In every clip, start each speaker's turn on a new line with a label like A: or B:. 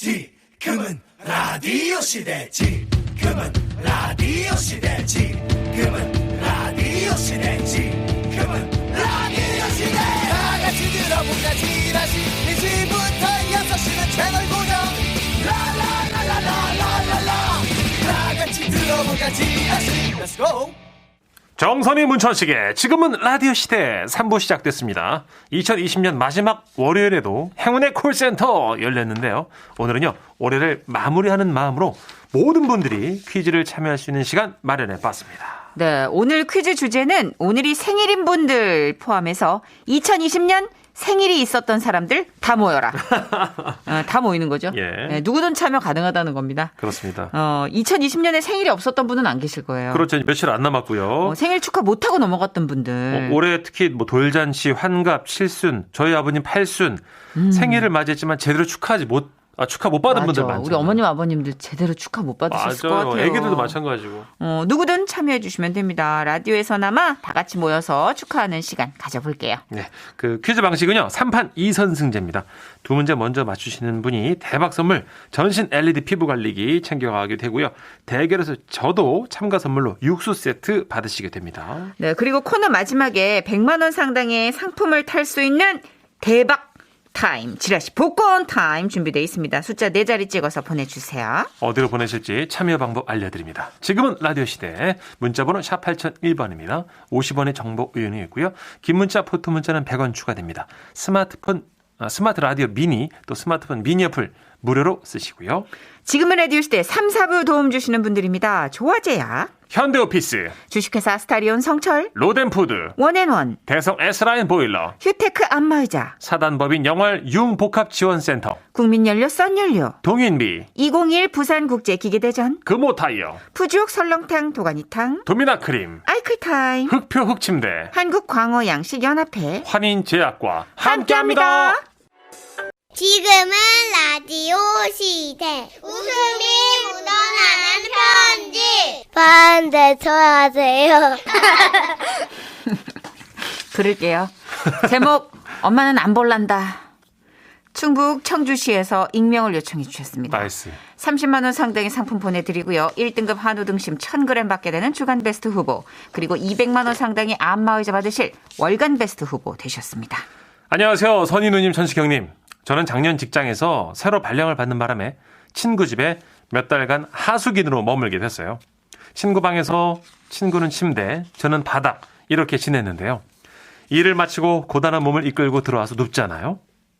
A: 지금은 라디오 시대. 지금은 라디오 시대. 지금은 라디오 시대. 지금은 라디오 시대. 다 같이 들어보자. 지라시 1시부터 6시는 채널 고정. 라라라라라라라라. 다 같이 들어보자. 지라시. Let's go.
B: 정선이 문천식의 지금은 라디오 시대 3부 시작됐습니다. 2020년 마지막 월요일에도 행운의 콜센터 열렸는데요. 오늘은요, 올해를 마무리하는 마음으로 모든 분들이 퀴즈를 참여할 수 있는 시간 마련해봤습니다.
C: 네, 오늘 퀴즈 주제는 오늘이 생일인 분들 포함해서 2020년 생일이 있었던 사람들 다 모여라. 다 모이는 거죠.
B: 예.
C: 네, 누구든 참여 가능하다는 겁니다.
B: 그렇습니다.
C: 2020년에 생일이 없었던 분은 안 계실 거예요.
B: 그렇죠. 며칠 안 남았고요.
C: 생일 축하 못하고 넘어갔던 분들.
B: 올해 특히 뭐 돌잔치, 환갑, 칠순, 저희 아버님 팔순 생일을 맞이했지만 제대로 축하 못 받은 분들 많죠.
C: 우리 어머님 아버님들 제대로 축하 못 받으셨을 것 같아요.
B: 애기들도 마찬가지고.
C: 누구든 참여해 주시면 됩니다. 라디오에서나마 다 같이 모여서 축하하는 시간 가져볼게요.
B: 네, 그 퀴즈 방식은요, 3판 2선승제입니다. 두 문제 먼저 맞추시는 분이 대박 선물 전신 LED 피부 관리기 챙겨가게 되고요. 대결에서 저도 참가 선물로 육수 세트 받으시게 됩니다.
C: 네, 그리고 코너 마지막에 100만 원 상당의 상품을 탈 수 있는 대박 타임, 지라시 복권 타임 준비되어 있습니다. 숫자 4자리 찍어서 보내주세요.
B: 어디로 보내실지 참여 방법 알려드립니다. 지금은 라디오 시대 문자번호 샵 8001번입니다. 50원의 정보 의견이 있고요. 긴 문자, 포토 문자는 100원 추가됩니다. 스마트 라디오 미니, 또 스마트폰 미니 어플 무료로 쓰시고요.
C: 지금은 라디오 시대 3, 4부 도움 주시는 분들입니다. 조화제야,
B: 현대오피스,
C: 주식회사 스타리온 성철,
B: 로덴푸드,
C: 원앤원,
B: 대성 S라인 보일러,
C: 휴테크 안마의자,
B: 사단법인 영월 융복합지원센터,
C: 국민연료 썬연료,
B: 동인비,
C: 2021 부산국제기계대전,
B: 금호타이어,
C: 푸주옥 설렁탕 도가니탕,
B: 도미나크림,
C: 아이클타임,
B: 흑표 흑침대,
C: 한국광어양식연합회,
B: 환인제약과
C: 함께합니다.
D: 지금은 라디오 시대. 웃음이 묻어나는 편지. 반대쳐 하세요.
C: 부를게요. 제목 엄마는 안 볼란다. 충북 청주시에서 익명을 요청해 주셨습니다.
B: 나이스.
C: 30만 원 상당의 상품 보내드리고요. 1등급 한우 등심 1000g 받게 되는 주간 베스트 후보, 그리고 200만 원 상당의 안마의자 받으실 월간 베스트 후보 되셨습니다.
B: 안녕하세요. 선인우님, 천식형님. 저는 작년 직장에서 새로 발령을 받는 바람에 친구 집에 몇 달간 하숙인으로 머물게 됐어요. 친구 방에서 친구는 침대, 저는 바닥, 이렇게 지냈는데요. 일을 마치고 고단한 몸을 이끌고 들어와서 눕잖아요.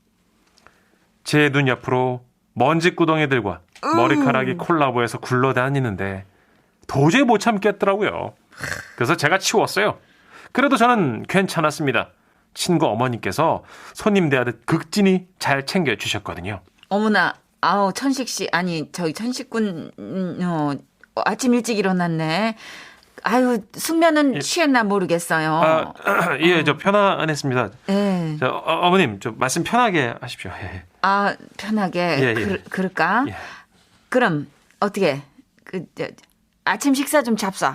B: 제 눈 옆으로 먼지구덩이들과 머리카락이 콜라보해서 굴러다니는데 도저히 못 참겠더라고요. 그래서 제가 치웠어요. 그래도 저는 괜찮았습니다. 친구 어머니께서 손님 대하듯 극진히 잘 챙겨주셨거든요.
C: 어머나, 아우, 천식 씨, 아니, 저희 천식군, 아침 일찍 일어났네. 아유, 숙면은 취했나 모르겠어요.
B: 예, 저 편안했습니다.
C: 네.
B: 어머님, 좀 말씀 편하게 하십시오. 예.
C: 아, 편하게.
B: 예.
C: 그럴까?
B: 예.
C: 그럼, 어떻게, 아침 식사 좀 잡숴.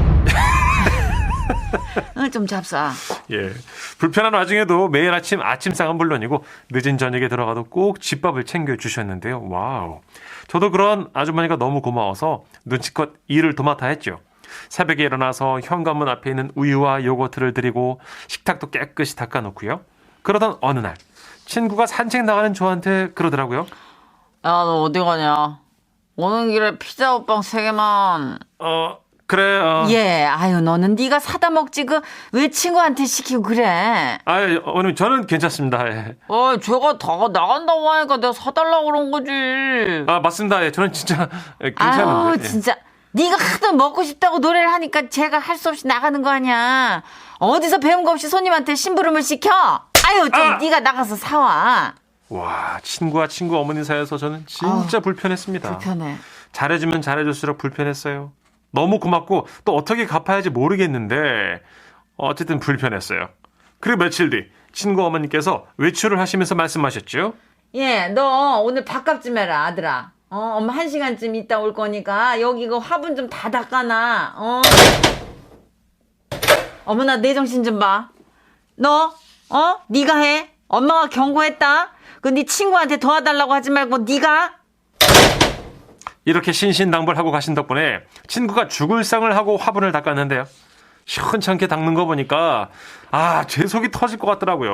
C: 좀 잡숴.
B: 예. 불편한 와중에도 매일 아침상은 물론이고 늦은 저녁에 들어가도 꼭 집밥을 챙겨주셨는데요. 와우. 저도 그런 아주머니가 너무 고마워서 눈치껏 일을 도맡아 했죠. 새벽에 일어나서 현관문 앞에 있는 우유와 요거트를 드리고 식탁도 깨끗이 닦아놓고요. 그러던 어느 날 친구가 산책 나가는 저한테 그러더라고요.
C: 야, 너 어디 가냐? 오는 길에 피자 호빵 3개만.
B: 그래.
C: 예, 아유, 너는 네가 사다 먹지 왜 친구한테 시키고 그래?
B: 아유, 어머님, 저는 괜찮습니다. 예.
C: 제가 다 나간다고 하니까 내가 사달라고 그런 거지.
B: 맞습니다. 예, 저는 진짜 괜찮은데.
C: 아유,
B: 예.
C: 진짜. 네가 하도 먹고 싶다고 노래를 하니까 제가 할 수 없이 나가는 거 아니야. 어디서 배운 거 없이 손님한테 심부름을 시켜? 아유, 네가 나가서 사와.
B: 와, 친구와 친구 어머니 사이에서 저는 진짜 불편했습니다.
C: 불편해.
B: 잘해주면 잘해줄수록 불편했어요. 너무 고맙고 또 어떻게 갚아야지 모르겠는데 어쨌든 불편했어요. 그리고 며칠 뒤 친구 어머니께서 외출을 하시면서 말씀하셨죠.
C: 예, 너 오늘 밥값 좀 해라, 아들아. 엄마 1시간쯤 있다 올 거니까 여기 이거 화분 좀 다 닦아놔. 어머나, 내 정신 좀 봐. 너 네가 해. 엄마가 경고했다. 그 네 친구한테 도와달라고 하지 말고 네가
B: 이렇게 신신당부하고 가신 덕분에 친구가 죽을 상을 하고 화분을 닦았는데요. 시원찮게 닦는 거 보니까 제 속이 터질 것 같더라고요.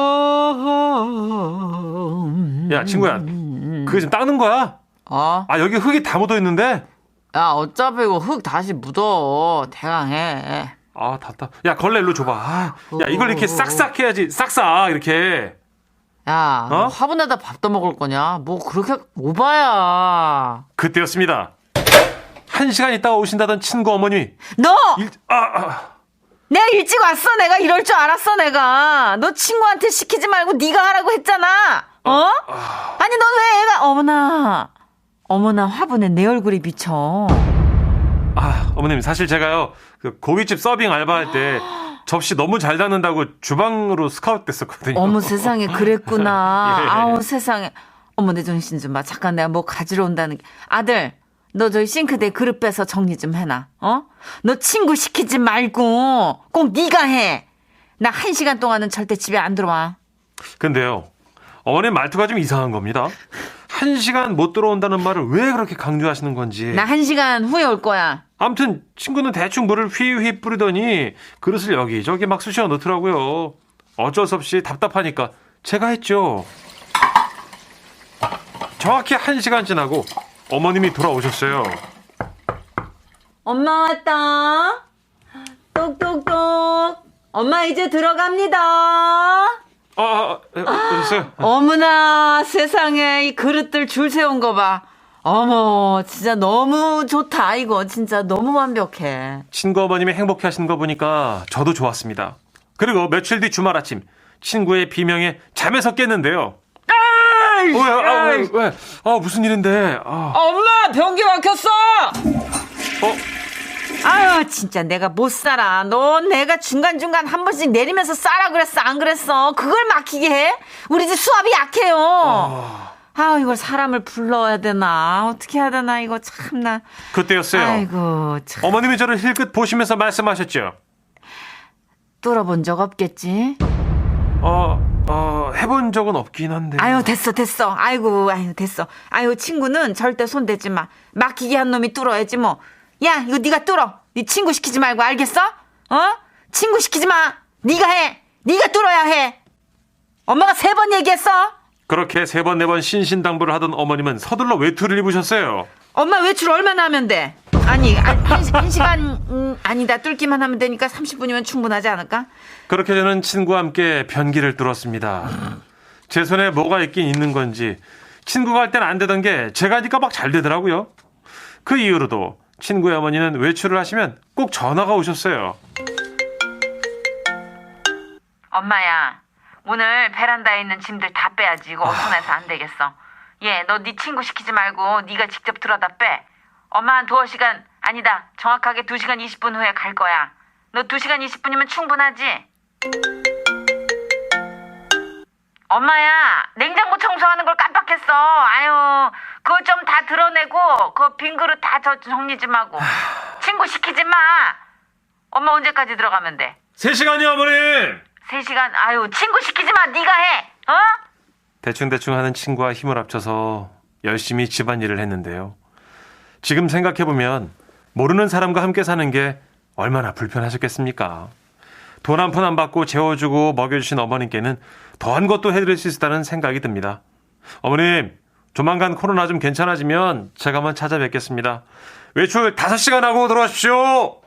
B: 야, 친구야, 그게 지금 닦는 거야? 여기 흙이 다 묻어 있는데.
C: 야, 어차피 이거 흙 다시 묻어. 대강 해.
B: 답답. 야, 걸레 일로 줘봐. 야, 이걸 이렇게 싹싹 해야지. 싹싹 이렇게.
C: 야, 화분에다 밥 떠먹을 거냐? 뭐 그렇게 오바야.
B: 그때였습니다. 1시간 있다가 오신다던 친구 어머님이
C: 너! 내가 일찍 왔어. 내가 이럴 줄 알았어. 내가. 너 친구한테 시키지 말고 네가 하라고 했잖아. 아니 넌 왜 애가 어머나 화분에 내 얼굴이 비쳐.
B: 어머님, 사실 제가요, 그 고깃집 서빙 알바할 때 접시 너무 잘 닦는다고 주방으로 스카우트 됐었거든요.
C: 어머 세상에 그랬구나.
B: 예.
C: 아우 세상에. 어머 내 정신 좀 봐. 잠깐 내가 뭐 가지러 온다는 게. 아들, 너 저기 싱크대에 그릇 빼서 정리 좀 해놔. 너 친구 시키지 말고 꼭 네가 해. 나 1시간 동안은 절대 집에 안 들어와.
B: 근데요, 어머님 말투가 좀 이상한 겁니다. 1시간 못 들어온다는 말을 왜 그렇게 강조하시는 건지.
C: 나 1시간 후에 올 거야.
B: 아무튼 친구는 대충 물을 휘휘 뿌리더니 그릇을 여기저기 막 쑤셔 넣더라고요. 어쩔 수 없이 답답하니까 제가 했죠. 정확히 1시간 지나고 어머님이 돌아오셨어요.
C: 엄마 왔다. 똑똑똑. 엄마 이제 들어갑니다.
B: 오셨어요?
C: 어머나 세상에 이 그릇들 줄 세운 거 봐. 어머 진짜 너무 좋다. 이거 진짜 너무 완벽해.
B: 친구 어머님이 행복해 하시는 거 보니까 저도 좋았습니다. 그리고 며칠 뒤 주말 아침 친구의 비명에 잠에서 깼는데요. 왜? 무슨 일인데?
C: 엄마 변기 막혔어. 아유 진짜 내가 못 살아. 넌 내가 중간중간 한 번씩 내리면서 싸라 그랬어 안 그랬어? 그걸 막히게 해? 우리 집 수압이 약해요. 이걸 사람을 불러야 되나 어떻게 해야 되나 이거 참나.
B: 그때였어요.
C: 아이고 참.
B: 어머님이 저를 힐끗 보시면서 말씀하셨죠.
C: 뚫어본 적 없겠지?
B: 해본 적은 없긴 한데.
C: 아유 됐어. 아유 됐어. 아유 친구는 절대 손대지 마. 막히게 한 놈이 뚫어야지 뭐. 야 이거 네가 뚫어. 네 친구 시키지 말고 알겠어? 친구 시키지 마. 네가 해. 네가 뚫어야 해. 엄마가 3번 얘기했어.
B: 그렇게 3번 4번 신신당부를 하던 어머님은 서둘러 외투를 입으셨어요.
C: 엄마 외출 얼마나 하면 돼? 아니 1시간 아니다. 뚫기만 하면 되니까 30분이면 충분하지 않을까?
B: 그렇게 저는 친구와 함께 변기를 뚫었습니다. 제 손에 뭐가 있긴 있는 건지 친구가 할 때는 안 되던 게 제가 하니까 막 잘 되더라고요. 그 이후로도 친구의 어머니는 외출을 하시면 꼭 전화가 오셨어요.
C: 엄마야 오늘 베란다에 있는 짐들 다 빼야지. 이거 어수선해서 안 되겠어. 너 네 친구 시키지 말고 네가 직접 들어다 빼. 엄마 한 2시간 아니다. 정확하게 2시간 20분 후에 갈 거야. 너 2시간 20분이면 충분하지? 엄마야 냉장고 청소하는 걸 깜빡했어. 아유 그거 좀 다 드러내고 그 빈 그릇 다 정리 좀 하고. 친구 시키지 마. 엄마 언제까지 들어가면 돼?
B: 3시간이요 어머님.
C: 3시간? 아유 친구 시키지 마. 네가 해.
B: 대충대충 하는 친구와 힘을 합쳐서 열심히 집안일을 했는데요. 지금 생각해보면 모르는 사람과 함께 사는 게 얼마나 불편하셨겠습니까? 돈 한 푼 안 받고 재워주고 먹여주신 어머님께는 더한 것도 해드릴 수 있다는 생각이 듭니다. 어머님, 조만간 코로나 좀 괜찮아지면 제가 한번 찾아뵙겠습니다. 외출 5시간 하고 들어가십시오.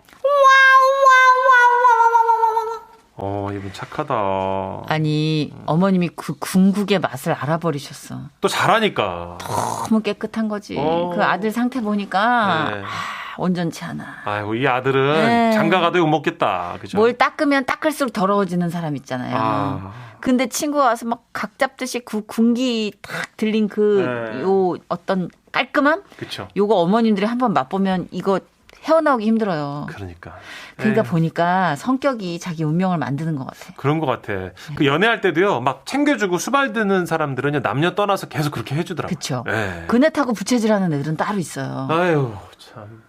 B: 이분 착하다.
C: 아니 어머님이 그 궁극의 맛을 알아버리셨어.
B: 또 잘하니까.
C: 너무 깨끗한 거지. 그 아들 상태 보니까
B: 네.
C: 온전치 않아.
B: 아이고 이 아들은
C: 네.
B: 장가가도 욕 먹겠다. 그죠?
C: 뭘 닦으면 닦을수록 더러워지는 사람 있잖아요. 근데 친구가 와서 막 각 잡듯이 그 군기 탁 들린
B: 네.
C: 요 어떤 깔끔함?
B: 그렇죠.
C: 요거 어머님들이 한번 맛보면 이거 헤어나오기 힘들어요.
B: 그러니까
C: 보니까 성격이 자기 운명을 만드는 것 같아.
B: 그런 것 같아. 그 연애할 때도요, 막 챙겨주고 수발드는 사람들은요, 남녀 떠나서 계속 그렇게 해주더라고요.
C: 그쵸.
B: 네.
C: 그네 타고 부채질하는 애들은 따로 있어요.
B: 아유, 참.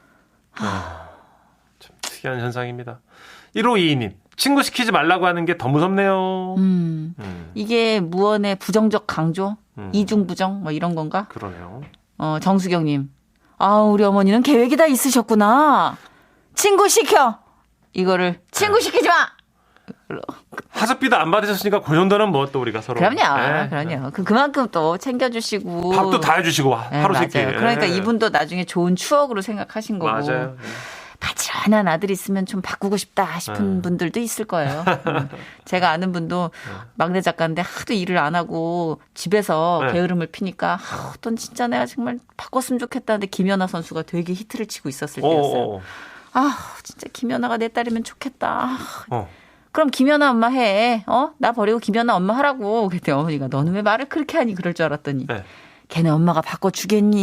B: 참 특이한 현상입니다. 1522님, 친구 시키지 말라고 하는 게 더 무섭네요.
C: 이게 무언의 부정적 강조? 이중부정? 뭐 이런 건가?
B: 그러네요.
C: 정수경님. 우리 어머니는 계획이 다 있으셨구나. 친구 시켜. 이거를 친구 시키지 마.
B: 하숙비도 안 받으셨으니까 그 정도는 뭐 또 우리가 서로.
C: 그럼요. 그만큼 또 챙겨주시고.
B: 밥도 다 해주시고 하루
C: 맞아요.
B: 세끼.
C: 그러니까 이분도 나중에 좋은 추억으로 생각하신 거고.
B: 맞아요.
C: 바지런한 아들 있으면 좀 바꾸고 싶다 싶은 분들도 있을 거예요. 제가 아는 분도 막내 작가인데 하도 일을 안 하고 집에서 게으름을 피니까 넌 진짜 내가 정말 바꿨으면 좋겠다는데 김연아 선수가 되게 히트를 치고 있었을 때였어요. 진짜 김연아가 내 딸이면 좋겠다. 그럼 김연아 엄마 해. 나 버리고 김연아 엄마 하라고. 그랬더니 어머니가 너는 왜 말을 그렇게 하니 그럴 줄 알았더니 걔네 엄마가 바꿔주겠니?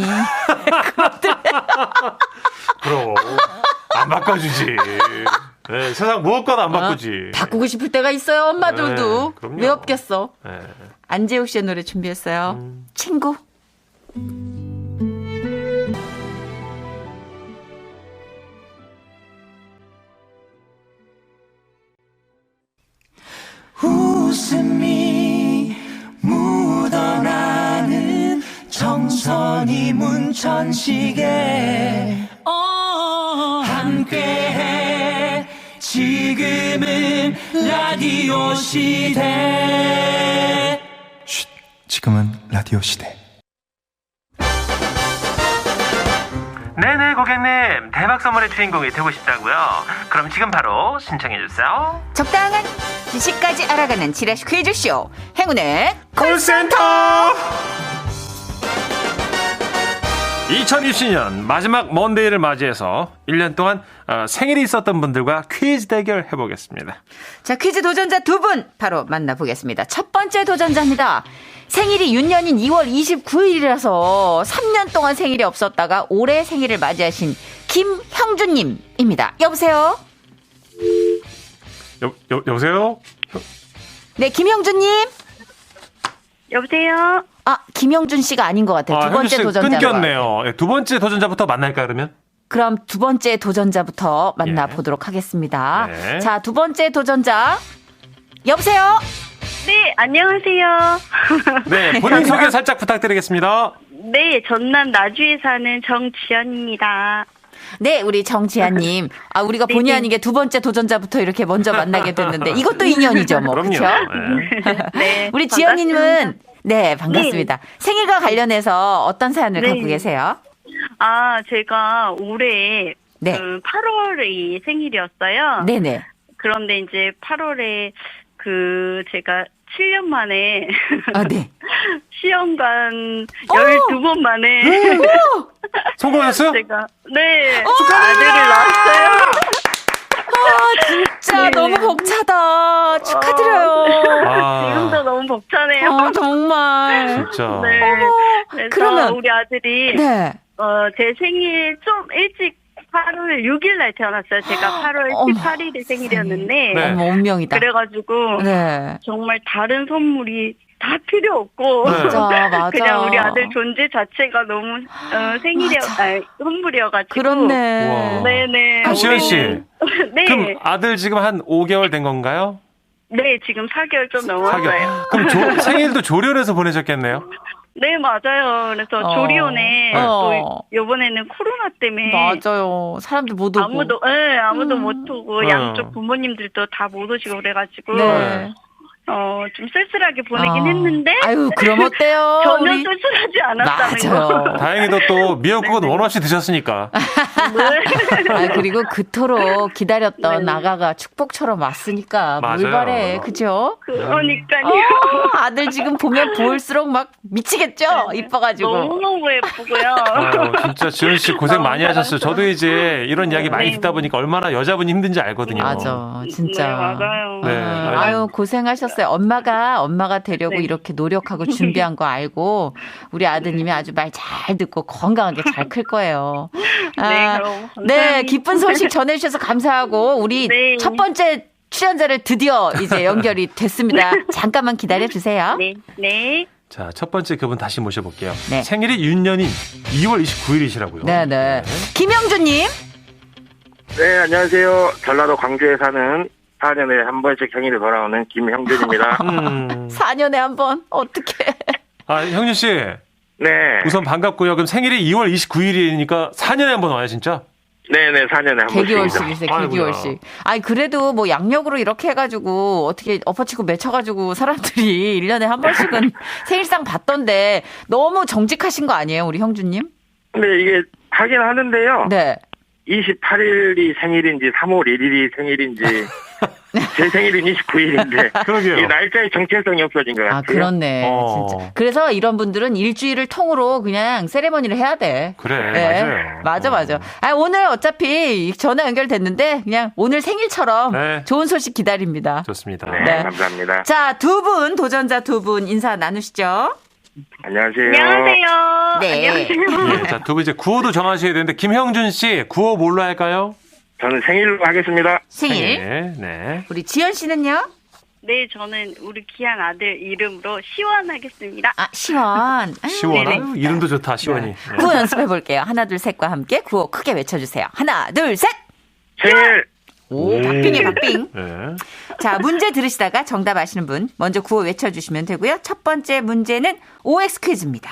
B: 그럼 안 바꿔주지. 네, 세상 무엇과도 안 바꾸지.
C: 바꾸고 싶을 때가 있어요. 엄마들도. 왜 없겠어. 안재욱 씨의 노래 준비했어요. 친구.
A: 웃음이 묻어나는 정선이 문천식에 함께해 지금은 라디오 시대.
E: 지금은 라디오 시대.
B: 네네 고객님, 대박 선물의 주인공이 되고 싶다고요? 그럼 지금 바로 신청해주세요.
C: 적당한 지식까지 알아가는 지라시 퀴즈쇼 행운의
B: 콜센터. 2020년 마지막 먼데이를 맞이해서 1년 동안 생일이 있었던 분들과 퀴즈 대결 해보겠습니다.
C: 자, 퀴즈 도전자 두 분 바로 만나보겠습니다. 첫 번째 도전자입니다. 생일이 윤년인 2월 29일이라서 3년 동안 생일이 없었다가 올해 생일을 맞이하신 김형준님입니다. 여보세요?
B: 여보세요?
C: 네, 김형준님?
F: 여보세요?
C: 김형준 씨가 아닌 것 같아요. 두 번째 도전자.
B: 끊겼네요. 두 번째 도전자부터 만날까요, 그러면?
C: 그럼 두 번째 도전자부터 만나보도록 하겠습니다.
B: 네.
C: 자, 두 번째 도전자. 여보세요?
F: 네, 안녕하세요.
B: 네, 본인 소개 살짝 부탁드리겠습니다.
F: 네, 전남 나주에 사는 정지연입니다.
C: 네, 우리 정지아님. 우리가 본의 아니게 두 번째 도전자부터 이렇게 먼저 만나게 됐는데 이것도 인연이죠, 뭐.
B: 그럼요.
C: 그렇죠?
F: 네,
C: 우리 지연님은 네, 반갑습니다. 생일과 관련해서 어떤 사연을 갖고 계세요?
F: 제가 올해
C: 네.
F: 8월이 생일이었어요.
C: 네네.
F: 그런데 이제 8월에 제가 7년 만에
C: 네.
F: 시험관 12번 만에
B: 성공하셨어요?
F: 제가 아들을 낳았어요.
C: 진짜
F: 네.
C: 너무 벅차다. 축하드려요.
F: 지금도 너무 벅차네요.
C: 정말.
B: 진짜.
F: 네. 그래서
C: 그러면
F: 우리 아들이
C: 네.
F: 제 생일 좀 일찍 8월 6일 날 태어났어요. 제가 8월 18일에 생일이었는데
B: 네.
C: 운명이다.
F: 그래가지고
C: 네.
F: 정말 다른 선물이 다 필요 없고
C: 맞아.
F: 그냥 우리 아들 존재 자체가 너무 선물이어가지고
C: 그렇네.
B: 우와.
F: 네네.
B: 지연 씨.
F: 네.
B: 그럼 아들 지금 한 5개월 된 건가요?
F: 네, 지금 4개월 좀 넘었어요.
B: 그럼 생일도 조련해서 보내셨겠네요?
F: 네, 맞아요. 그래서 조리원에 또 이번에는 코로나 때문에
C: 맞아요. 사람들 못 오고.
F: 아무도 못 오고 양쪽 부모님들도 다 못 오시고 그래가지고
C: 네.
F: 좀 쓸쓸하게 보내긴 했는데.
C: 아유, 그럼 어때요?
F: 전혀 쓸쓸하지 않았다는
C: 맞아요.
F: 거.
B: 다행히도 또 미역국은 원 없이 드셨으니까.
C: 그리고 그토록 기다렸던 아가가 축복처럼 왔으니까
B: 맞아요.
C: 뭘 바래, 그죠?
F: 그러니까요.
C: 아들 지금 보면 볼수록 막 미치겠죠? 이뻐가지고.
F: 너무너무 예쁘고요.
B: 아유, 진짜 지연 씨 고생 많이 하셨어요. 저도 이제 이런 이야기 많이 듣다 보니까 얼마나 여자분이 힘든지 알거든요.
C: 맞아, 진짜.
F: 네, 맞아요.
B: 네.
C: 아유, 고생하셨어요. 엄마가 되려고 이렇게 노력하고 준비한 거 알고 우리 아드님이 아주 말 잘 듣고 건강하게 잘 클 거예요.
F: 네, 그럼 감사합니다.
C: 네, 기쁜 소식 전해주셔서 감사하고 우리
F: 네.
C: 첫 번째 출연자를 드디어 이제 연결이 됐습니다. 잠깐만 기다려 주세요.
F: 네, 네.
B: 자, 첫 번째 그분 다시 모셔볼게요.
C: 네.
B: 생일이 윤년인 2월 29일이시라고요.
C: 네. 김영준님.
G: 네, 안녕하세요. 전라도 광주에 사는 4년에 한 번씩 생일이 돌아오는 김형준입니다.
C: 4년에 한 번. 어떡해.
B: 형준 씨.
G: 네.
B: 우선 반갑고요. 그럼 생일이 2월 29일이니까 4년에 한 번 와요, 진짜?
G: 네네, 4년에 한 번씩.
H: 개개월씩이세요, 개개월씩. 아니, 그래도 뭐 양력으로 이렇게 해가지고 어떻게 엎어치고 맺혀가지고 사람들이 1년에 한 번씩은 생일상 받던데 너무 정직하신 거 아니에요, 우리 형주님?
G: 근데 이게 하긴 하는데요.
H: 네.
G: 28일이 생일인지 3월 1일이 생일인지 제 생일은 29일인데
B: 그러게요.
G: 이 날짜의 정체성이 없어진 것 같아요.
H: 아, 그렇네. 진짜. 그래서 이런 분들은 일주일을 통으로 그냥 세레머니를 해야 돼.
B: 그래,
H: 네.
B: 맞아요.
H: 맞아. 아, 오늘 어차피 전화 연결됐는데 그냥 오늘 생일처럼
B: 네.
H: 좋은 소식 기다립니다.
B: 좋습니다.
G: 네,
H: 네.
G: 감사합니다.
H: 자, 도전자 두 분 인사 나누시죠.
G: 안녕하세요.
F: 안녕하세요.
H: 네.
F: 안녕하세요.
B: 자, 두 분 이제 구호도 정하셔야 되는데, 김형준 씨, 구호 뭘로 할까요?
G: 저는 생일로 하겠습니다.
H: 생일.
B: 네.
H: 우리 지연 씨는요?
F: 네, 저는 우리 귀한 아들 이름으로 시원하겠습니다.
H: 아, 시원.
B: 시원.
F: 네네.
B: 아유, 이름도 좋다, 시원이. 네.
H: 구호 연습해 볼게요. 하나, 둘, 셋과 함께 구호 크게 외쳐주세요. 하나, 둘, 셋.
G: 생일!
H: 오, 박빙이에요, 박빙.
B: 네.
H: 자, 문제 들으시다가 정답 아시는 분 먼저 구호 외쳐주시면 되고요. 첫 번째 문제는 OX 퀴즈입니다.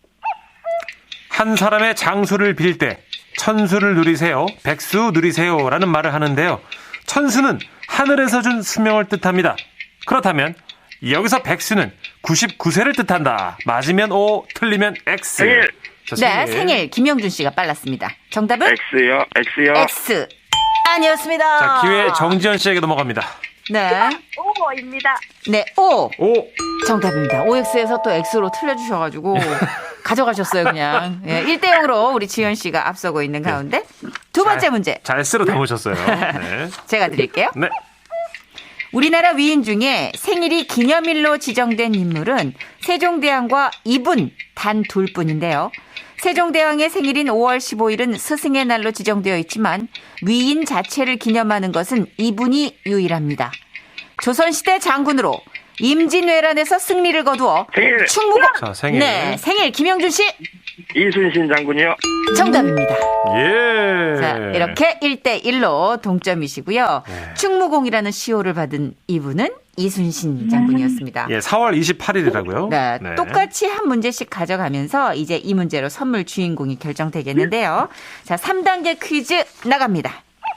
B: 한 사람의 장수를 빌 때 천수를 누리세요, 백수 누리세요라는 말을 하는데요. 천수는 하늘에서 준 수명을 뜻합니다. 그렇다면 여기서 백수는 99세를 뜻한다. 맞으면 O, 틀리면 X.
G: 생일!
B: 자,
H: 네, 생일 김영준 씨가 빨랐습니다. 정답은
G: X요.
H: X 아니었습니다.
B: 자, 기회 정지현 씨에게 넘어갑니다.
H: 네,
F: 오버입니다.
H: 네, O
B: O.
H: 정답입니다. OX에서 또 X로 틀려주셔가지고 가져가셨어요, 그냥. 예, 1대0으로 우리 지현 씨가 앞서고 있는 가운데 두 번째 문제
B: 잘 쓸어 담으셨어요. 네.
H: 제가 드릴게요.
B: 네.
H: 우리나라 위인 중에 생일이 기념일로 지정된 인물은 세종대왕과 이분 단 둘뿐인데요. 세종대왕의 생일인 5월 15일은 스승의 날로 지정되어 있지만 위인 자체를 기념하는 것은 이분이 유일합니다. 조선시대 장군으로 임진왜란에서 승리를 거두어
G: 생일!
H: 충무공
B: 자, 생일.
H: 네, 생일 김영준 씨
G: 이순신 장군이요.
H: 정답입니다.
B: 예.
H: 자, 이렇게 1대1로 동점이시고요.
B: 네.
H: 충무공이라는 시호를 받은 이분은 이순신 장군이었습니다.
B: 예, 4월 28일이라고요.
H: 네, 똑같이 한 문제씩 가져가면서 이제 이 문제로 선물 주인공이 결정되겠는데요. 자, 3단계 퀴즈 나갑니다.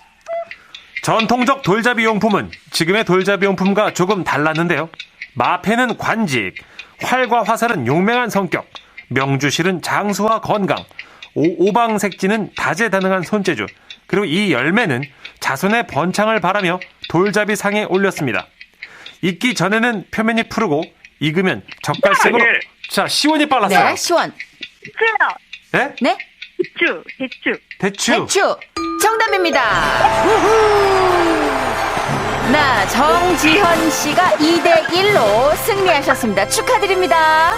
B: 전통적 돌잡이 용품은 지금의 돌잡이 용품과 조금 달랐는데요. 마패는 관직, 활과 화살은 용맹한 성격, 명주실은 장수와 건강, 오방색지는 다재다능한 손재주, 그리고 이 열매는 자손의 번창을 바라며 돌잡이 상에 올렸습니다. 익기 전에는 표면이 푸르고 익으면 젓갈색으로. 자, 시원이 빨랐어요.
H: 네, 시원.
F: 수요.
B: 네?
H: 네?
F: 대추.
B: 대추.
H: 대추. 정답입니다. 나 정지현 씨가 2대1로 승리하셨습니다. 축하드립니다.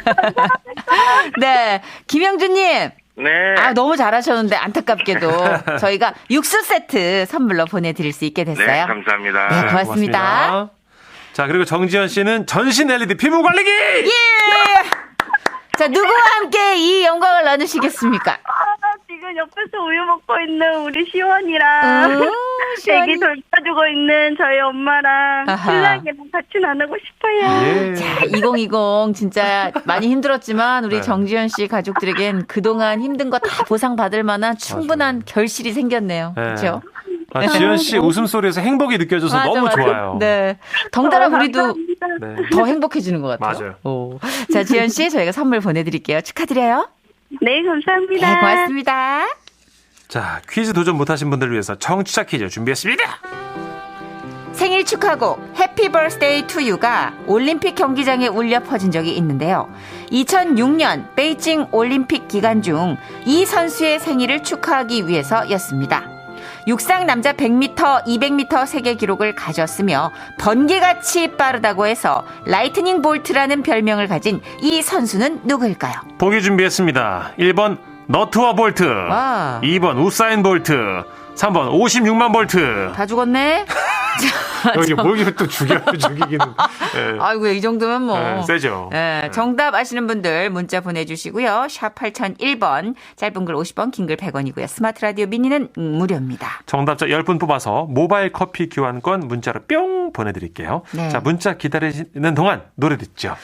H: 네, 김영준님.
G: 네.
H: 아, 너무 잘하셨는데 안타깝게도 저희가 육수 세트 선물로 보내드릴 수 있게 됐어요.
G: 네, 감사합니다.
H: 네, 고맙습니다.
B: 자, 그리고 정지현 씨는 전신 LED 피부 관리기!
H: 예! 자, 누구와 함께 이 영광을 나누시겠습니까?
F: 지금 옆에서 우유 먹고 있는 우리 시원이랑
H: 시원이.
F: 애기 돌봐주고 있는 저희 엄마랑
H: 아하.
F: 신랑이랑 같이 나누고 싶어요.
B: 예.
H: 자, 2020 진짜 많이 힘들었지만 우리
B: 네.
H: 정지현 씨 가족들에겐 그동안 힘든 거 다 보상받을 만한 충분한 결실이 생겼네요.
B: 네.
H: 그렇죠?
B: 아, 지현 씨 웃음소리에서 행복이 느껴져서 너무 좋아요.
H: 네. 덩달아 우리도
F: 감사합니다.
B: 네.
H: 더 행복해지는 것 같아요.
B: 맞아요.
H: 오. 자, 지현 씨 저희가 선물 보내드릴게요. 축하드려요.
F: 네, 감사합니다.
H: 네, 고맙습니다.
B: 자, 퀴즈 도전 못하신 분들을 위해서 청취자 퀴즈 준비했습니다.
H: 생일 축하곡 해피 버스데이 투 유가 올림픽 경기장에 울려 퍼진 적이 있는데요. 2006년 베이징 올림픽 기간 중 이 선수의 생일을 축하하기 위해서였습니다. 육상 남자 100m, 200m 세계 기록을 가졌으며 번개같이 빠르다고 해서 라이트닝 볼트라는 별명을 가진 이 선수는 누구일까요?
B: 보기 준비했습니다. 1번 너트와 볼트,
H: 와.
B: 2번 우사인 볼트, 3번 56만 볼트.
H: 다 죽었네?
B: 여기 뭘 또 죽이기는. 예.
H: 아이고, 이 정도면 뭐.
B: 네, 세죠.
H: 네, 정답 아시는 분들 문자 보내주시고요. 샵 8001번, 짧은 글 50원, 긴 글 100원이고요. 스마트 라디오 미니는 무료입니다.
B: 정답자 10분 뽑아서 모바일 커피 교환권 문자로 뿅 보내드릴게요.
H: 네.
B: 자, 문자 기다리시는 동안 노래 듣죠.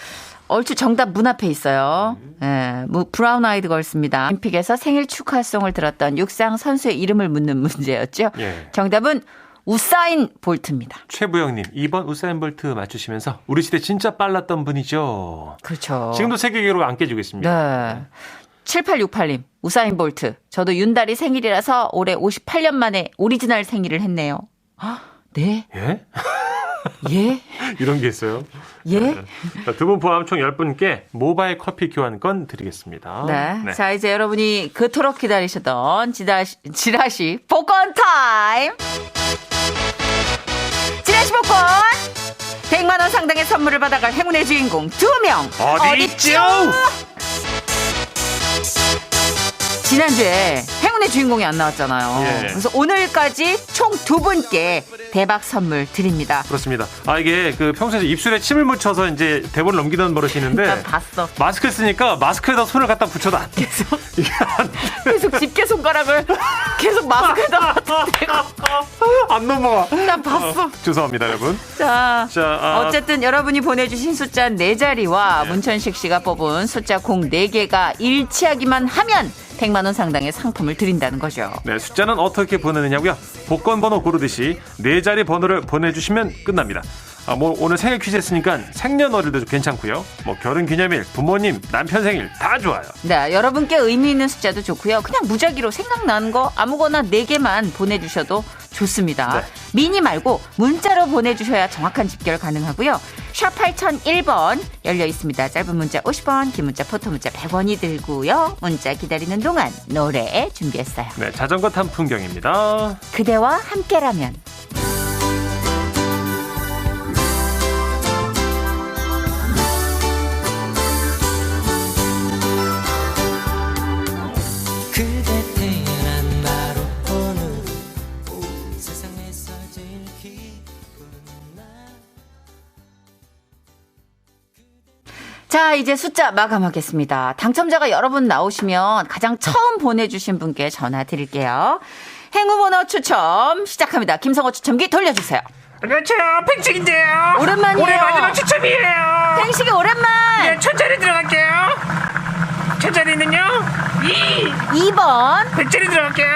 H: 얼추 정답 문 앞에 있어요. 예, 브라운 아이드 걸스입니다. 올림픽에서 생일 축하송을 들었던 육상 선수의 이름을 묻는 문제였죠.
B: 예.
H: 정답은 우사인 볼트입니다.
B: 최부영님 2번 우사인 볼트 맞추시면서 우리 시대 진짜 빨랐던 분이죠.
H: 그렇죠.
B: 지금도 세계 기록 안 깨지고 있습니다.
H: 네. 7868님, 우사인 볼트. 저도 윤달이 생일이라서 올해 58년 만에 오리지널 생일을 했네요. 네?
B: 예?
H: 예?
B: 이런 게 있어요.
H: 예?
B: 두 분 포함 총 10분께 모바일 커피 교환권 드리겠습니다.
H: 네. 자, 이제 여러분이 그토록 기다리셨던 지라시 복권 타임! 지라시 복권! 100만 원 상당의 선물을 받아갈 행운의 주인공 2명!
B: 어디 있죠?
H: 지난주에 행운의 주인공이 안 나왔잖아요.
B: 예.
H: 그래서 오늘까지 총 2분께 대박 선물 드립니다.
B: 그렇습니다. 이게 평소에 입술에 침을 묻혀서 이제 대본을 넘기던 버릇이 있는데
H: 난 봤어.
B: 마스크 쓰니까 마스크에다 손을 갖다 붙여도 안 돼.
H: 계속 집게 손가락을 계속 마스크에다
B: 안 넘어가.
H: 난 봤어.
B: 죄송합니다, 여러분.
H: 자,
B: 자,
H: 어쨌든 여러분이 보내주신 숫자 4자리와 문천식 씨가 뽑은 숫자 공 4개가 일치하기만 하면 100만 원 상당의 상품을 드린다는 거죠.
B: 네, 숫자는 어떻게 보내느냐고요? 복권 번호 고르듯이 4자리 번호를 보내주시면 끝납니다. 오늘 생일 퀴즈 했으니까 생년월일도 괜찮고요. 결혼 기념일, 부모님, 남편 생일 다 좋아요.
H: 네, 여러분께 의미 있는 숫자도 좋고요. 그냥 무작위로 생각나는 거 아무거나 4개만 보내주셔도 좋습니다.
B: 네.
H: 미니 말고 문자로 보내주셔야 정확한 집결 가능하고요. 샵 8001번 열려 있습니다. 짧은 문자 50원, 긴 문자, 포토 문자 100원이 들고요. 문자 기다리는 동안 노래 준비했어요.
B: 네, 자전거 탄 풍경입니다.
H: 그대와 함께라면.
A: 그대 태어난 나로 오늘 세상에서 제일 기쁜 날.
H: 자, 이제 숫자 마감하겠습니다. 당첨자가 여러 분 나오시면 가장 처음 보내주신 분께 전화 드릴게요. 행운번호 추첨 시작합니다. 김성호 추첨기 돌려주세요.
I: 안녕하세요. 팽식인데요.
H: 오랜만이에요.
I: 올해 마지막 추첨이에요.
H: 팽식이 오랜만.
I: 예, 천자리 들어갈게요. 천자리는요?
H: 2번.
I: 100자리 들어갈게요.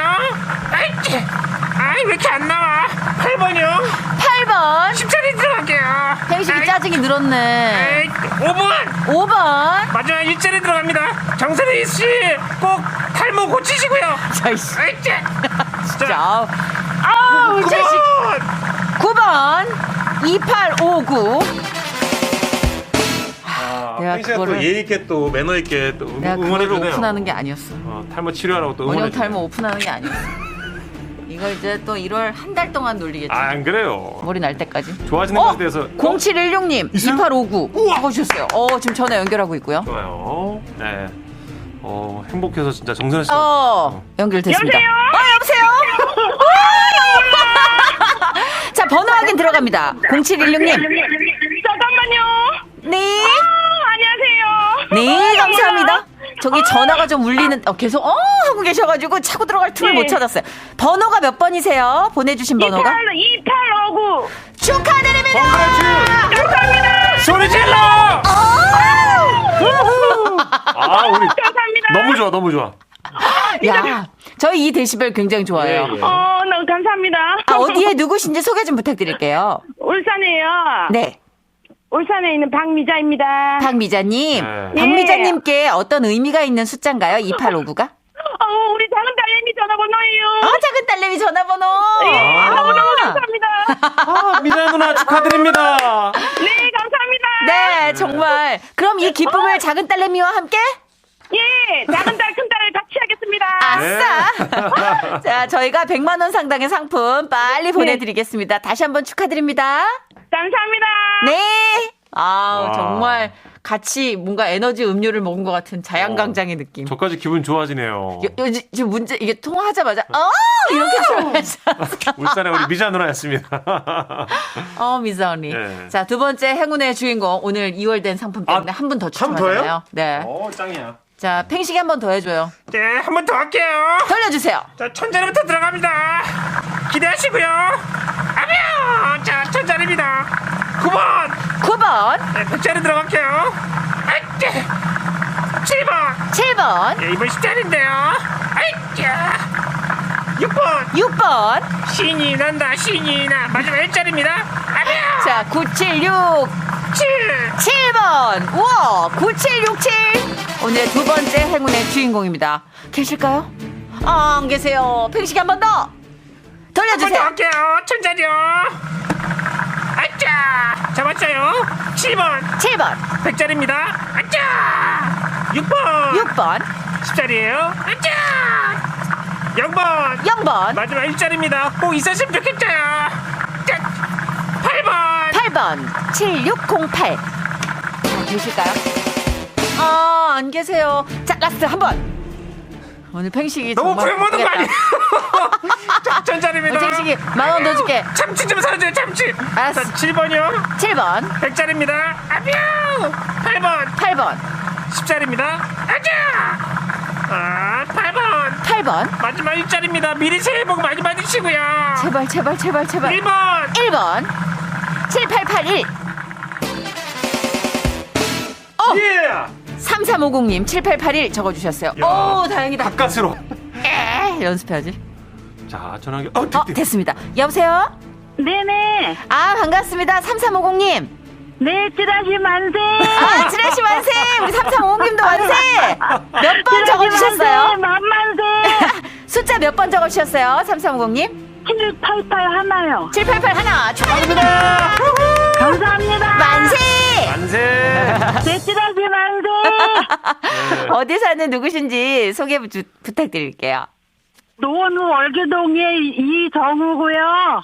I: 왜 이렇게 안 나와? 8번이요.
H: 8번.
I: 10자리 들어갈게요.
H: 팽식이 짜증이 늘었네.
I: 5번. 마지막 1자리 들어갑니다. 정선희 씨 꼭 탈모 고치시고요.
H: 자이씨.
I: 진짜.
H: 아우, 자식. 9번. 2859. 내가 그거를
B: 예의 있게 또 매너 있게 또
H: 내가 그거를
B: 응원해주네요.
H: 오픈하는 게 아니었어.
B: 탈모 치료하라고 또
H: 원형
B: 응원해주네요.
H: 탈모 오픈하는 게 아니었어. 이걸 이제 또 1월 한 달 동안 놀리겠지.
B: 안 그래요.
H: 머리 날 때까지.
B: 좋아지는 것에 대해서
H: 0716님 2859 적어주셨어요. 지금 전화 연결하고 있고요.
B: 좋아요. 네. 행복해서 진짜 정선희 씨.
H: 연결됐습니다. 여보세요? 자, 번호 확인 들어갑니다. 0716님.
F: 잠깐만요.
H: 네.
F: 안녕하세요.
H: 네, 감사합니다. 저기 전화가 좀 울리는, 계속, 하고 계셔가지고 차고 들어갈 틈을 못 찾았어요. 번호가 몇 번이세요? 보내주신 번호가?
F: 2859.
H: 축하드립니다!
F: 감사합니다.
B: 소리 질러! 우리
F: 감사합니다.
B: 너무 좋아.
H: 야, 저희 이 데시벨 굉장히 좋아요.
B: 예.
F: 너무 감사합니다.
H: 어디에 누구신지 소개 좀 부탁드릴게요.
F: 울산에요.
H: 네.
F: 울산에 있는 박미자입니다.
H: 박미자님.
B: 네.
H: 박미자님께 어떤 의미가 있는 숫자인가요? 2859가?
F: 우리 작은 딸내미 전화번호예요.
H: 작은 딸내미 전화번호.
F: 너무너무 감사합니다.
B: 미자 누나 축하드립니다.
F: 네, 감사합니다.
H: 네, 정말. 그럼 이 기쁨을 작은 딸내미와 함께?
F: 예, 작은 딸, 큰 딸을 같이 하겠습니다.
H: 아싸. 자, 저희가 100만 원 상당의 상품 빨리 보내드리겠습니다. 다시 한번 축하드립니다.
F: 감사합니다.
H: 네. 정말 같이 뭔가 에너지 음료를 먹은 것 같은 자양강장의 느낌.
B: 저까지 기분 좋아지네요.
H: 지금 문제, 이게 통화하자마자, 이렇게 들어야지.
B: 울산의 우리 미자 누나였습니다.
H: 미자 언니.
B: 네.
H: 자, 두 번째 행운의 주인공. 오늘 2월 된 상품 때문에 한 분 더 추첨하잖아요. 네.
B: 짱이야.
H: 자, 팽식이 한 번 더 해줘요.
I: 네, 한 번 더 할게요.
H: 돌려주세요.
I: 자, 천자리부터 들어갑니다. 기대하시고요. 아뮤! 자, 1000짜리입니다. 9번.
H: 9번.
I: 네, 100짜리 들어갈게요. 7번.
H: 7번.
I: 예, 이번 10짜리인데요. 6번.
H: 6번.
I: 신이 난다, 신이 나. 마지막 1짜리입니다.
H: 자, 9767번. 우와, 9767. 오늘의 두 번째 행운의 주인공입니다. 계실까요? 아, 안 계세요. 팽식이 한 번 더. 돌려주세요.
I: 한번 더 할게요. 1000짜리요. 잡았어요. 7번.
H: 7번.
I: 100짜리입니다. 6번.
H: 6번.
I: 10짜리예요. 0번.
H: 0번.
I: 마지막 1짜리입니다. 꼭 있었으면 좋겠어요. 8번.
H: 8번. 7608. 계실까요? 아, 안 계세요. 자, 라스트 한 번. 오늘 팽식이
I: 너무
H: 정말
I: 구해보는 거
H: 바쁘겠다.
I: 아니에요? 1000짜리입니다.
H: 팽식이 10,000원 더 줄게.
I: 참치 좀 사줘요, 참치.
H: 알았어.
I: 7번이요.
H: 7번.
I: 100짜리입니다. 8번.
H: 8번.
I: 10짜리입니다. 8번.
H: 8번.
I: 마지막 1짜리입니다. 미리 새해 복 많이 받으시고요.
H: 제발, 제발, 제발, 제발.
I: 1번.
H: 1번. 7881.
B: 예!
H: 3350님 7881 적어주셨어요. 오, 다행이다.
B: 가까스로.
H: 연습해야지.
B: 자, 전화기.
H: 됐습니다. 여보세요?
F: 네네.
H: 아, 반갑습니다. 3350님.
F: 네, 찌라시 만세.
H: 아, 찌라시 만세. 우리 3350님도 만세. 몇 번 적어주셨어요?
F: 만만세.
H: 숫자 몇 번 적어주셨어요? 3350님?
F: 788 하나요.
H: 788 하나 축하드립니다.
F: 감사합니다.
H: 만세.
B: 만세.
F: 네, 찌라시 만세.
H: 어디 사는 누구신지 소개 부탁드릴게요.
F: 노원구 월계동의 이정우고요.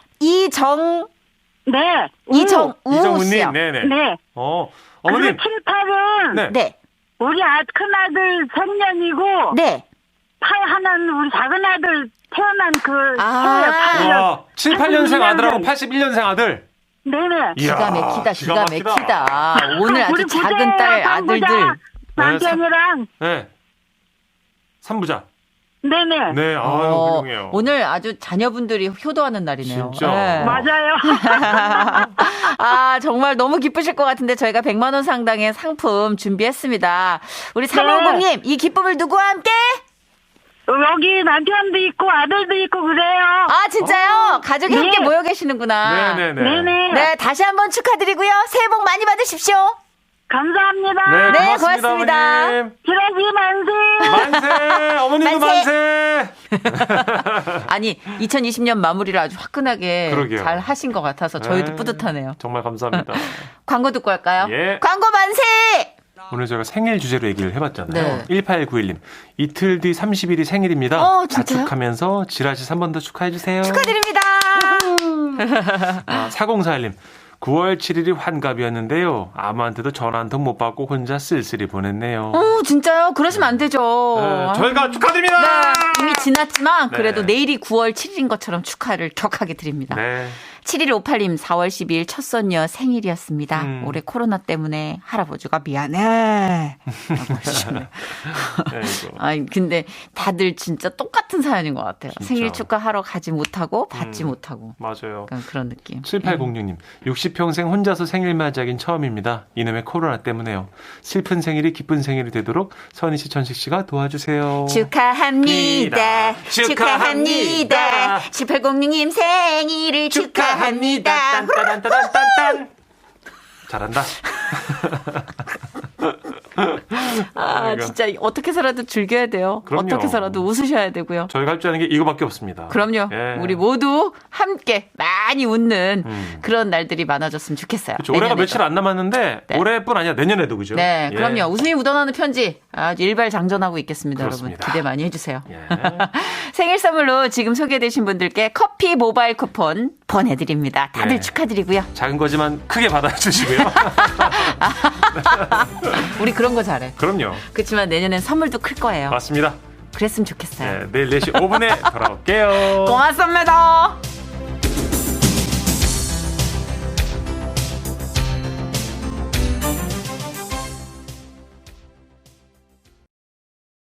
F: 네.
H: 이정우 씨요.
B: 네네.
F: 네.
B: 어머님.
F: 78은
B: 네.
F: 우리 큰아들 생년이고
H: 네.
F: 8 하나는 우리 작은아들 태어난
B: 와, 78년생 아들하고 81년생 아들.
F: 네네.
H: 기가 막히다, 기가 막히다. 오늘 아주
F: 우리
H: 작은 딸 아들들.
F: 남편이랑.
B: 네. 3부자.
F: 네네.
B: 네, 훌륭해요.
H: 오늘 아주 자녀분들이 효도하는 날이네요.
B: 진짜.
H: 네.
F: 맞아요.
H: 아, 정말 너무 기쁘실 것 같은데 저희가 100만 원 상당의 상품 준비했습니다. 우리 350님, 이 기쁨을 누구와 함께?
F: 여기 남편도 있고 아들도 있고 그래요.
H: 아, 진짜요? 가족이
F: 네.
H: 함께 모여 계시는구나.
F: 네네.
H: 네, 다시 한번 축하드리고요. 새해 복 많이 받으십시오.
F: 감사합니다.
B: 네,
H: 고맙습니다.
B: 어머님.
F: 찌라시 만세.
B: 만세. 어머님도 만세.
H: 아니, 2020년 마무리를 아주 화끈하게
B: 그러게요.
H: 잘 하신 것 같아서 저희도 뿌듯하네요.
B: 정말 감사합니다.
H: 광고 듣고 할까요?
B: 예.
H: 광고 만세!
B: 오늘 저희가 생일 주제로 얘기를 해봤잖아요.
H: 네.
B: 1891님. 이틀 뒤 30일이 생일입니다.
H: 진짜요?
B: 자축하면서 지라시 3번 더 축하해주세요.
H: 축하드립니다.
B: 4041님. 9월 7일이 환갑이었는데요. 아무한테도 전화 한 통 못 받고 혼자 쓸쓸히 보냈네요.
H: 진짜요? 그러시면 안 되죠.
B: 네, 저희가 축하드립니다.
H: 네, 이미 지났지만
B: 네.
H: 그래도 내일이 9월 7일인 것처럼 축하를 격하게 드립니다.
B: 네.
H: 7158님 4월 12일 첫 손녀 생일이었습니다. 올해 코로나 때문에 할아버지가 미안해. 아니 근데 다들 진짜 똑같은 사연인 것 같아요.
B: 진짜.
H: 생일 축하하러 가지 못하고 받지 못하고.
B: 맞아요.
H: 약간 그런 느낌.
B: 7806님. 60평생 혼자서 생일 맞이하긴 처음입니다. 이놈의 코로나 때문에요. 슬픈 생일이 기쁜 생일이 되도록 선희 씨, 천식 씨가 도와주세요.
H: 축하합니다. 축하합니다. 7806님 생일을 축하합니다.
B: 딴딴딴딴딴. 잘한다.
H: 아, 진짜 어떻게 해서라도 즐겨야 돼요.
B: 그럼요.
H: 어떻게 해서라도 웃으셔야 되고요.
B: 저희가 할 줄 아는 게 이거밖에 없습니다.
H: 그럼요.
B: 예.
H: 우리 모두 함께 많이 웃는 그런 날들이 많아졌으면 좋겠어요.
B: 그렇죠. 올해가
H: 내년에도.
B: 며칠 안 남았는데
H: 네.
B: 올해뿐 아니라 내년에도 그죠?
H: 네,
B: 예.
H: 그럼요. 웃음이 묻어나는 편지 아주 일발장전하고 있겠습니다.
B: 그렇습니다.
H: 여러분 기대 많이 해주세요.
B: 예.
H: 생일 선물로 지금 소개되신 분들께 커피 모바일 쿠폰 보내드립니다. 다들
B: 네.
H: 축하드리고요.
B: 작은 거지만 크게 받아주시고요.
H: 우리 그런 거 잘해.
B: 그럼요.
H: 그렇지만 내년엔 선물도 클 거예요.
B: 맞습니다.
H: 그랬으면 좋겠어요.
B: 네, 내일 4시 5분에 돌아올게요.
H: 고맙습니다.